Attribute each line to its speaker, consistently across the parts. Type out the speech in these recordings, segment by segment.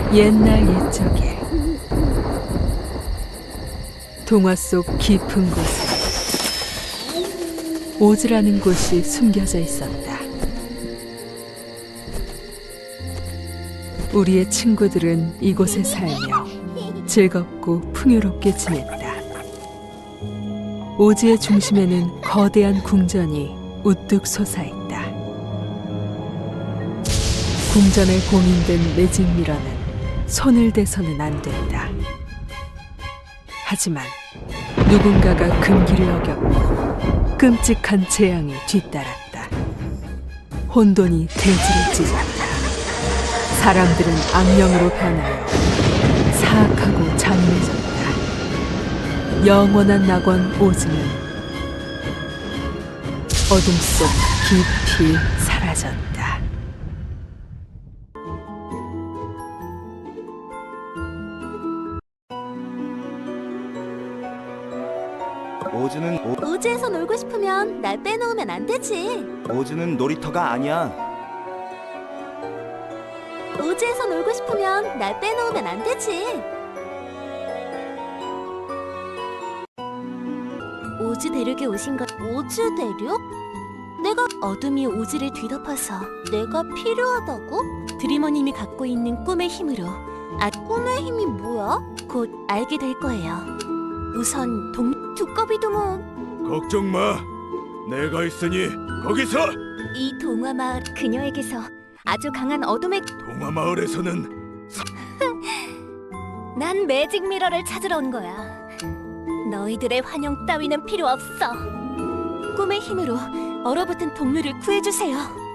Speaker 1: 옛날 옛적에 동화 속 깊은 곳에 오즈라는 곳이 숨겨져 있었다. 우리의 친구들은 이곳에 살며 즐겁고 풍요롭게 지냈다. 오즈의 중심에는 거대한 궁전이 우뚝 솟아있다. 궁전에 봉인된 매직 미러는 손을 대서는 안 된다. 하지만 누군가가 금기를 어겼고 끔찍한 재앙이 뒤따랐다. 혼돈이 대지를 찢었다. 사람들은 악령으로 변하여 사악하고 잔인해졌다. 영원한 낙원 오즈는 어둠 속 깊이 사라졌다.
Speaker 2: 오즈에서 놀고 싶으면 날 빼놓으면 안 되지.
Speaker 3: 오즈는 놀이터가 아니야.
Speaker 2: 오즈에서 놀고 싶으면 날 빼놓으면 안 되지. 오즈 대륙에 오신 거. 오즈 대륙? 내가 어둠이 오즈를 뒤덮어서 내가 필요하다고? 드리머님이 갖고 있는 꿈의 힘으로. 꿈의 힘이 뭐야? 곧 알게 될 거예요. 우선 두꺼비 두목.
Speaker 4: 걱정 마. 내가 있으니 거기서.
Speaker 2: 이 동화 마을 그녀에게서 아주 강한 어둠의.
Speaker 4: 동화 마을에서는
Speaker 2: 난 매직 미러를 찾으러 온 거야. 너희들의 환영 따위는 필요 없어. 꿈의 힘으로 얼어붙은 동료를 구해주세요.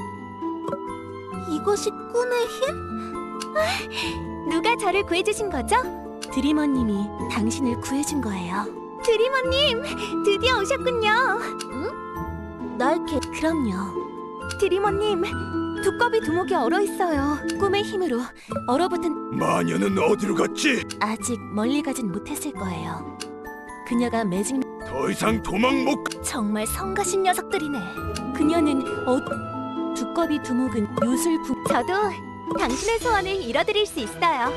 Speaker 2: 이것이 꿈의 힘? 누가 저를 구해주신 거죠? 드리머님이 당신을 구해준 거예요. 드리머님, 드디어 오셨군요. 응? 그럼요. 드리머님, 두꺼비 두목이 얼어있어요. 꿈의 힘으로 얼어붙은.
Speaker 4: 마녀는 어디로 갔지?
Speaker 2: 아직 멀리 가진 못했을 거예요. 그녀가 매직.
Speaker 4: 더 이상 도망 못 가.
Speaker 2: 정말 성가신 녀석들이네. 그녀는 두꺼비 두목은 요술부. 저도 당신의 소원을 이뤄드릴 수 있어요.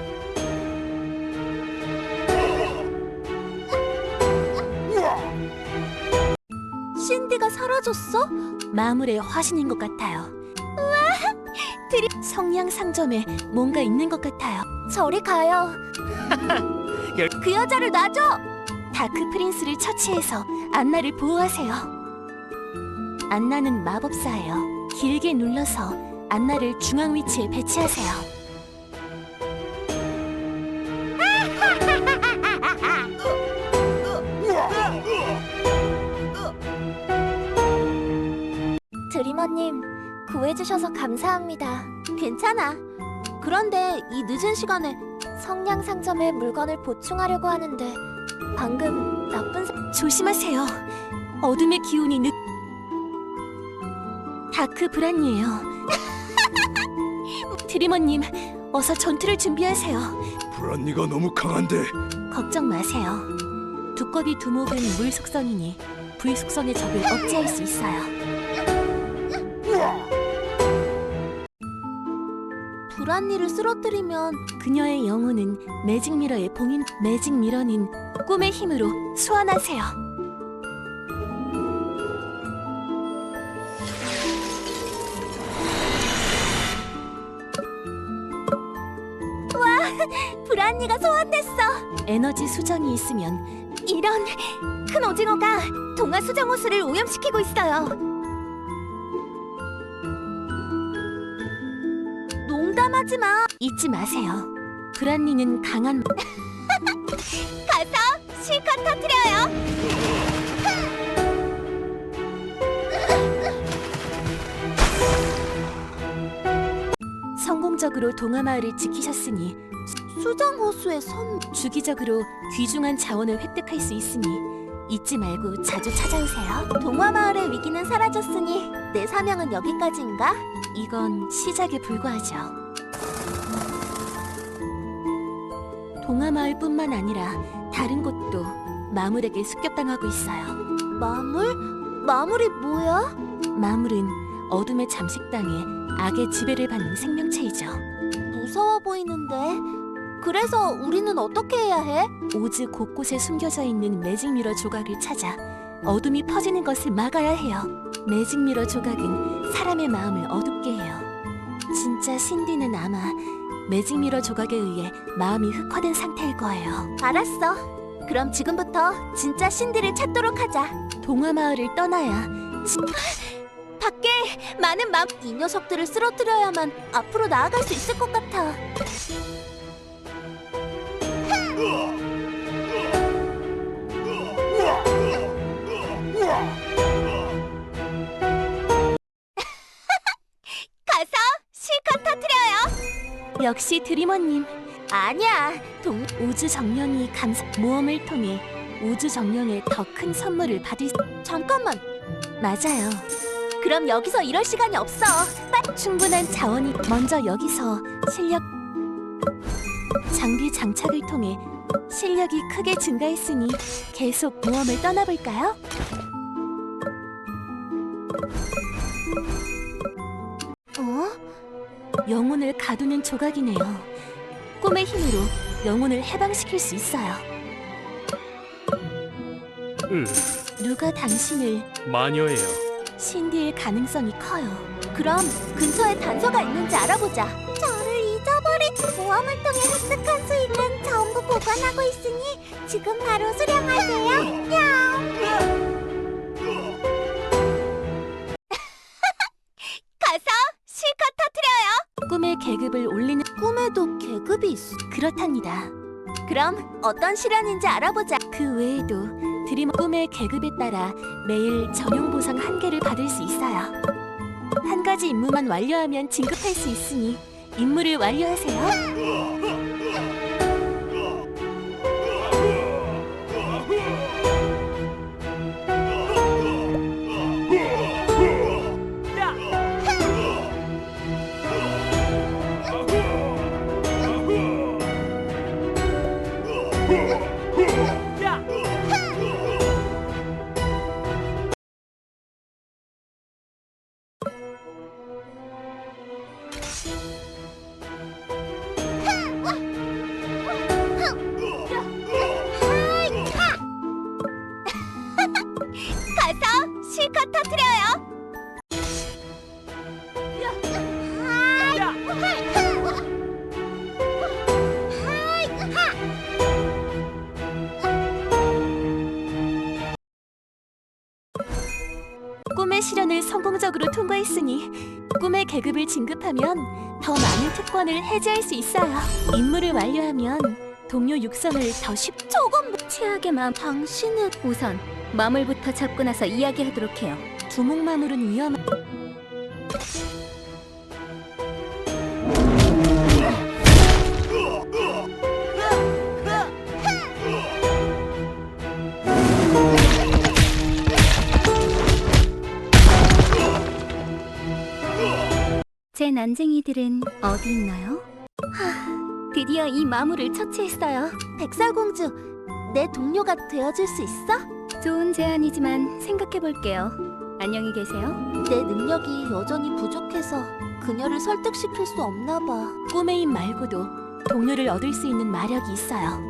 Speaker 2: 신디가 사라졌어? 마물의 화신인 것 같아요. 우와! 성냥 상점에 뭔가 있는 것 같아요. 저리 가요. 그 여자를 놔줘! 다크 프린스를 처치해서 안나를 보호하세요. 안나는 마법사예요. 길게 눌러서 안나를 중앙 위치에 배치하세요. 드리머님, 구해주셔서 감사합니다. 괜찮아. 그런데 이 늦은 시간에 성냥 상점에 물건을 보충하려고 하는데 방금 조심하세요. 어둠의 기운이 다크 브란이에요. 드리머님, 어서 전투를 준비하세요.
Speaker 4: 브란니가 너무 강한데.
Speaker 2: 걱정 마세요. 두꺼비 두목은 물 속성이니 불 속성의 적을 억제할 수 있어요. 브란니를 쓰러뜨리면 그녀의 영혼은 매직 미러에 봉인. 매직 미러는 꿈의 힘으로 소환하세요. 와, 브란니가 소환됐어. 에너지 수정이 있으면. 이런, 큰 오징어가 동화 수정 호수를 오염시키고 있어요. 농담하지 마. 잊지 마세요. 브란니는 강한. 가서 실컷 터뜨려요. 성공적으로 동화 마을을 지키셨으니 수정 호수의 주기적으로 귀중한 자원을 획득할 수 있으니 잊지 말고 자주 찾아오세요. 동화 마을의 위기는 사라졌으니 내 사명은 여기까지인가? 이건 시작에 불과하죠. 동화 마을뿐만 아니라 다른 곳도 마물에게 습격당하고 있어요. 마물? 마물이 뭐야? 마물은 어둠의 잠식당해 악의 지배를 받는 생명체이죠. 무서워 보이는데 그래서 우리는 어떻게 해야 해? 오즈 곳곳에 숨겨져 있는 매직 미러 조각을 찾아 어둠이 퍼지는 것을 막아야 해요. 매직 미러 조각은 사람의 마음을 어둡게 해요. 진짜 신디는 아마 매직 미러 조각에 의해 마음이 흑화된 상태일 거예요. 알았어. 그럼 지금부터 진짜 신디를 찾도록 하자. 동화 마을을 떠나야 밖에 많은 이 녀석들을 쓰러뜨려야만 앞으로 나아갈 수 있을 것 같아. 가서 실컷 터뜨려요. 역시 드리머님. 아니야. 우주 정령이 모험을 통해 우주 정령의 더 큰 선물을 받을 잠깐만. 맞아요. 그럼 여기서 이럴 시간이 없어. 충분한 자원이 먼저 여기서 장비 장착을 통해 실력이 크게 증가했으니 계속 모험을 떠나볼까요? 영혼을 가두는 조각이네요. 꿈의 힘으로 영혼을 해방시킬 수 있어요. 누가 당신을
Speaker 5: 마녀예요.
Speaker 2: 신디일 가능성이 커요. 그럼 근처에 단서가 있는지 알아보자. 저를 잊어버린 모험을 통해 획득한 수익은 전부 보관하고 있으니 지금 바로 수령하세요. 가서 실컷 터뜨려요. 꿈의 계급을 올리는 꿈에도 계급이 있어. 그렇답니다. 그럼 어떤 시련인지 알아보자. 그 외에도 드림 꿈의 계급에 따라 매일 전용 보상 1개를 받을 수 있어요. 한 가지 임무만 완료하면 진급할 수 있으니 임무를 완료하세요. 가서 실컷 터뜨려요. 꿈의 시련을 성공적으로 통과했으니 꿈의 계급을 진급하면 더 많은 특권을 해제할 수 있어요. 임무를 완료하면 동료 육성을 더 조금 최악의 마음. 당신은 우선 마물부터 잡고 나서 이야기하도록 해요. 두목마물은 위험한. 제 난쟁이들은 어디 있나요? 드디어 이 마물을 처치했어요. 백설공주, 내 동료가 되어줄 수 있어? 좋은 제안이지만 생각해볼게요. 안녕히 계세요. 내 능력이 여전히 부족해서 그녀를 설득시킬 수 없나 봐. 꿈의 힘 말고도 동료를 얻을 수 있는 마력이 있어요.